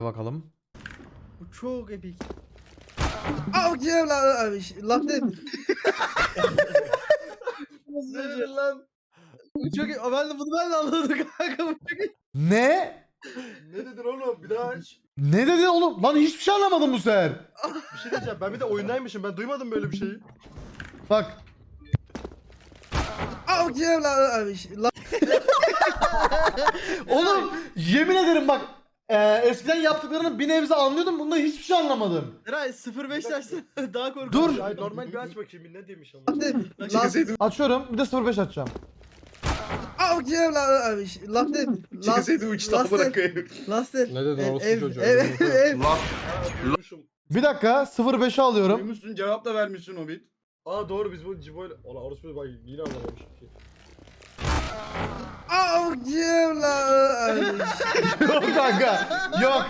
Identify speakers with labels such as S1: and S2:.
S1: Bakalım.
S2: Bu çok epik.
S3: Lan ne?
S2: Nedir lan? Bu çok epik. Ben de anladım kanka. Bu çok epik.
S1: Ne?
S4: Ne dedin oğlum? Bir daha aç.
S1: Ne dedi oğlum? Lan hiçbir şey anlamadım bu sefer.
S4: Bir şey diyeceğim. Ben bir de oyundaymışım. Ben duymadım böyle bir şeyi.
S1: Bak. Oğlum yemin ederim bak. Eskiden yaptıklarını bir nebze anlıyordum. Bunda hiçbir şey anlamadım.
S2: Eray 0.5 açsana daha korkunç.
S1: Dur.
S4: Ay normal bir aç bakayım. Bir ne demiş ama.
S1: Açıyorum. Bir de 05 açacağım.
S3: Lan ne?
S5: Çıkasaydı uçtu amına koyayım.
S3: Laster.
S6: Ne dedin orospu çocuğu?
S3: Ev.
S4: Duymuşum.
S1: Bir dakika 05'i alıyorum.
S5: Duymuşsun cevap da vermişsin Hobbit.
S4: Aa doğru biz bu Cibo'yla... Ola orospu bak yine anlamamışım ki.
S1: Yok kanka. Yok.